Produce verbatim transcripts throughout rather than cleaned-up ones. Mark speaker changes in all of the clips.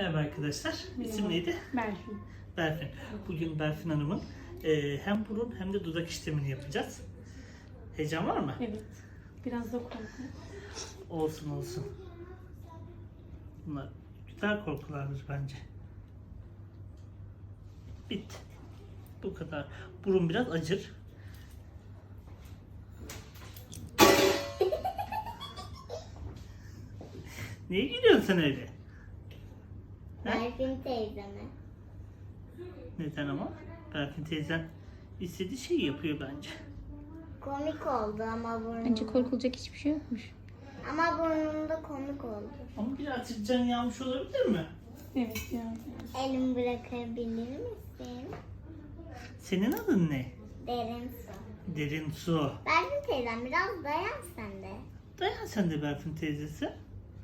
Speaker 1: Merhaba arkadaşlar. İsim neydi?
Speaker 2: Berfin.
Speaker 1: Berfin. Bugün Berfin Hanım'ın e, hem burun hem de dudak işlemini yapacağız. Heyecan var mı?
Speaker 2: Evet. Biraz da korku.
Speaker 1: Olsun olsun. Bunlar güzel korkulardır bence. Bitti. Bu kadar. Burun biraz acır. Niye gülüyorsun sen öyle? Ha?
Speaker 3: Berfin teyzeme.
Speaker 1: Neden ama? Berfin teyzen istediği şeyi yapıyor bence.
Speaker 3: Komik oldu ama burnumda.
Speaker 2: Bence korkulacak hiçbir şey yokmuş.
Speaker 3: Ama burnumda komik oldu.
Speaker 1: Ama birazcık can yağmış olabilir mi?
Speaker 2: Evet ya.
Speaker 3: Elimi bırakabilir misin?
Speaker 1: Senin adın ne?
Speaker 3: Derin su.
Speaker 1: Derin su.
Speaker 3: Berfin teyzem biraz dayan sen de.
Speaker 1: Dayan sen de Berfin teyzesi.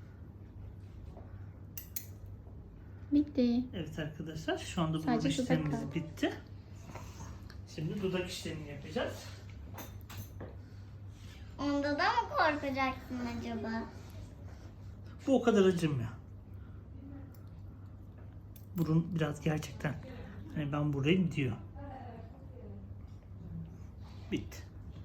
Speaker 2: Bitti.
Speaker 1: Evet arkadaşlar, şu anda burun
Speaker 2: Sadece dudak
Speaker 1: işlemimiz
Speaker 2: kaldı.
Speaker 1: bitti. Şimdi dudak işlemini yapacağız.
Speaker 3: Onda da mı korkacaksın acaba?
Speaker 1: Bu o kadar acımıyor. Burun biraz gerçekten hani ben buradayım diyor. Bitti.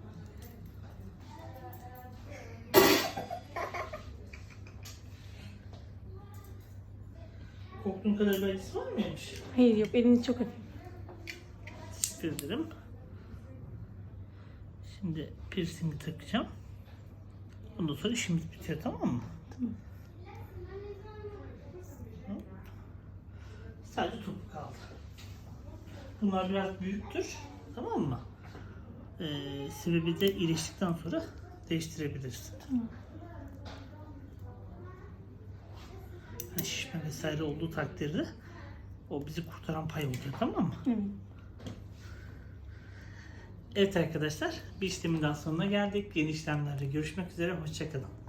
Speaker 1: Korktuğun kadar bir acısı var mıymış?
Speaker 2: Hayır yok, eliniz çok hafif.
Speaker 1: Teşekkür ederim. Şimdi piercingi takacağım. Ondan sonra işimiz bitiyor, tamam mı?
Speaker 2: Tamam.
Speaker 1: Sadece topuk kaldı. Bunlar biraz büyüktür, tamam mı? Ee, sebebi de iyileştikten sonra değiştirebilirsin.
Speaker 2: Tamam.
Speaker 1: Yani şişme vesaire olduğu takdirde o bizi kurtaran pay oluyor, tamam mı?
Speaker 2: Evet.
Speaker 1: Evet arkadaşlar, bir işlemin daha sonuna geldik. Yeni işlemlerde görüşmek üzere, hoşça kalın.